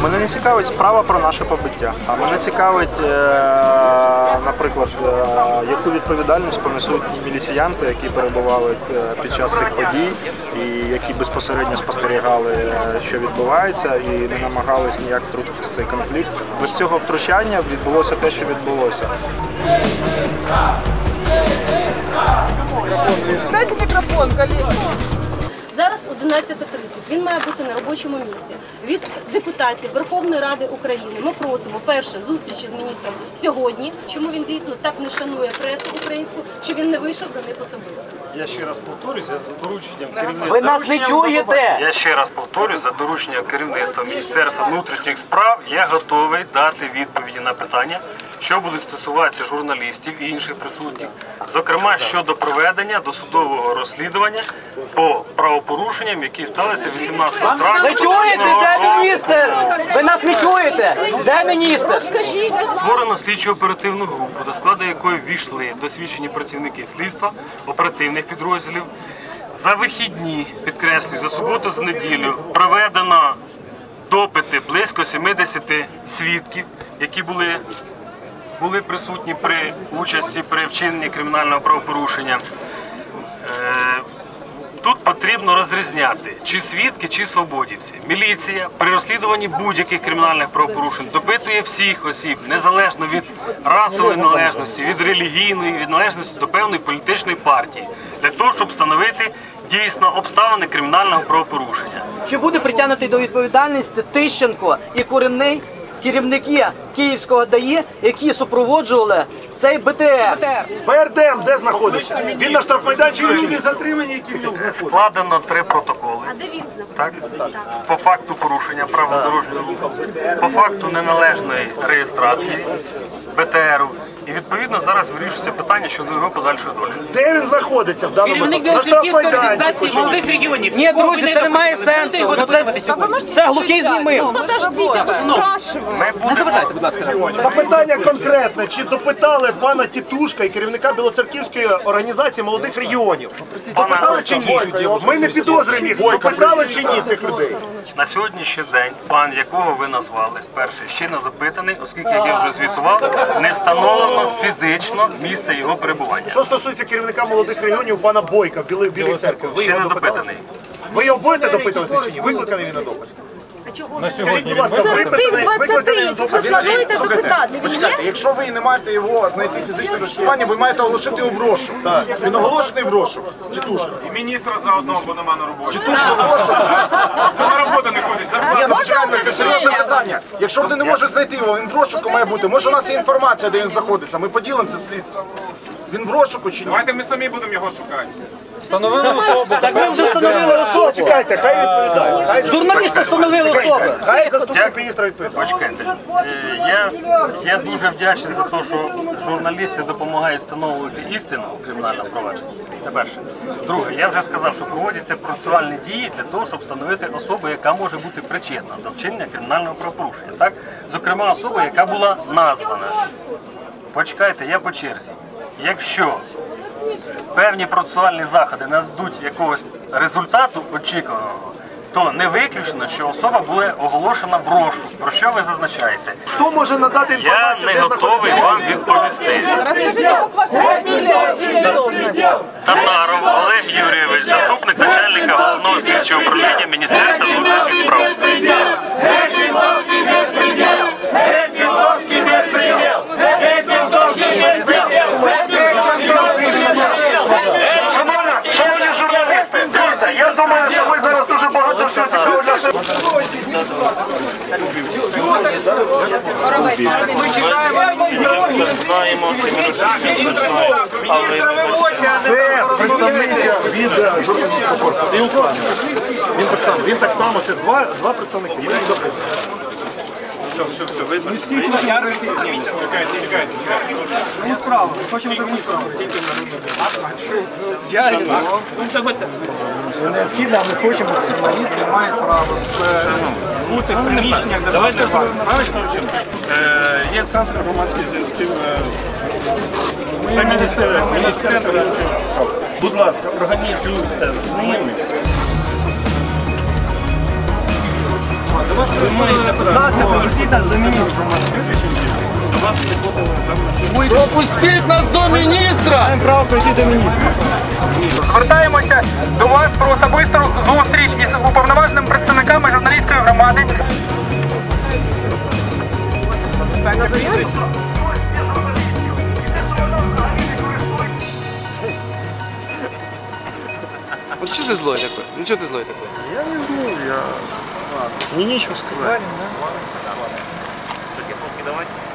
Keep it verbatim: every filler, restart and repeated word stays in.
Мене не цікавить справа про наше побиття. А мене цікавить, наприклад, яку відповідальність понесуть міліціянти, які перебували під час цих подій і які безпосередньо спостерігали, що відбувається, і не намагались ніяк втрутитися в цей конфлікт. Без цього втручання відбулося те, що відбулося. Дайте мікрофон, колеги. Зараз одинадцята тридцять, він має бути на робочому місці. Від депутатів Верховної Ради України ми просимо, перше, зустрічі з міністром сьогодні, чому він дійсно так не шанує пресу українську, що він не вийшов до них особисто. Я ще раз повторюсь, за дорученням керівництва... Ви нас не чуєте? Я ще раз повторюсь, за дорученням керівництва Міністерства внутрішніх справ я готовий дати відповіді на питання, що будуть стосуватися журналістів і інших присутніх, зокрема щодо проведення досудового розслідування по правопорушенням, які сталися вісімнадцятого травня. Ви чуєте? Де міністр? Ви нас не чуєте? Де міністр? Створено слідчо-оперативну групу, до складу якої ввійшли досвідчені працівники слідства, оперативних підрозділів. За вихідні, підкреслюю, за суботу, за неділю проведено допити близько сімдесяти свідків, які були були присутні при участі при вчиненні кримінального правопорушення. Тут потрібно розрізняти, чи свідки, чи свободівці. Міліція при розслідуванні будь-яких кримінальних правопорушень допитує всіх осіб, незалежно від расової належності, від релігійної, від належності до певної політичної партії, для того, щоб встановити дійсно обставини кримінального правопорушення. Чи буде притягнутий до відповідальності Тищенко і Куренний, керівники Київського ДАІ, які супроводжували цей БТР? БРДМ де знаходиться? Він на штрафмайданчику не затримані, які в ньому знаходяться. Складено три протоколи. А де він так? По факту порушення правил дорожнього руху, по факту неналежної реєстрації БТРу. І відповідно зараз вирішується питання щодо його подальшої долі. Де він знаходиться в даному випадку? Керівник Білоцерківської організації молодих регіонів. Ні, друзі, це не має сенсу. Ну, це, це глухий знімив. Подождите, ви спрашиваєте. Не заважайте, будь ласка. Запитання конкретне. Чи допитали пана Тітушка і керівника Білоцерківської організації молодих регіонів? Допитали чи ні? Ми не підозрюємо їх. Допитали чи ні цих людей? На сьогоднішній день пан, якого ви назвали, перший, ще не запитаний, оскільки, як я вже звітував, не встановлено фізично місце його перебування. Що стосується керівника молодих регіонів пана Бойка в Білій, Білій церкві, ви Ще його не допитали? допитаний. Ви його будете допитувати чи ні? Викликаний він на допит? Скажіть, будь ласка, викликаний на допит? Плануєте допитати, він є? Почекайте, якщо ви не маєте його знайти фізичне розчарування, ви маєте оголошити його в розшук. Він оголошений в розшук. Тітушка. І міністра заодно, бо нема на роботі. Тітушка в розшук. Що на роботу не ходить? Ні, ну почекайте, це серйозне питання. Якщо вони не можуть знайти його, він в розшуку має бути. Може у нас є інформація, де він знаходиться. Ми поділимо це слідство. Він в розшуку чи ні? Давайте ми самі будемо його шукати. Встановили особу. Так ми вже встановили особу. Чекайте, хай відповідає. Хай Журналісти встановили особу. Хай заступник міністра відповідає. Почекайте. Е, Я, я дуже вдячний за те, що журналісти допомагають встановлювати істину у кримінальному провадженні. Це перше. Друге, я вже сказав, що проводяться процесуальні дії для того, щоб встановити особу, яка може бути причетна до вчинення кримінального правопорушення. Так? Зокрема, особа, яка була названа. Почекайте, я по черзі. Якщо певні процесуальні заходи нададуть якогось результату очікуваного, то не виключено, що особа буде оголошена в розшук. Про що ви зазначаєте? Хто може надати Я інформацію, не де готовий знаходиться? вам відповісти. Розкажіть, як ваша фамілія і должность? Татаров Олег Юрійович, заступник начальника головного слідчого управління Міністерства внутрішніх справ. Шановні журналісти, дивіться, я думаю, що ви зараз дуже багато всього цікавого для себе. Знаємо, Це представниця від журналістського корпусу. Він так само, він так само, це два, два представники. Ми їх допитуємо. все, все, все, видно. Чекайте, чекайте. Мені справа, ми хочемо зробити справу. Я його. Це необхідно, а ми хочемо, що журналісти мають право бути в приміщеннях, де Давайте є центр громадських зв'язків. Міністерство. Будь ласка, організуйте з ними. Давайте Пропустіть нас до міністра! Маємо право прийти до міністра. Звертаємося до вас про особисту зустріч із уповноваженими представниками журналістської громади. Вот что ты злой такой? Ну что ты злой такой? Я не знаю, я... Мне нечего сказать. Такі поки давайте.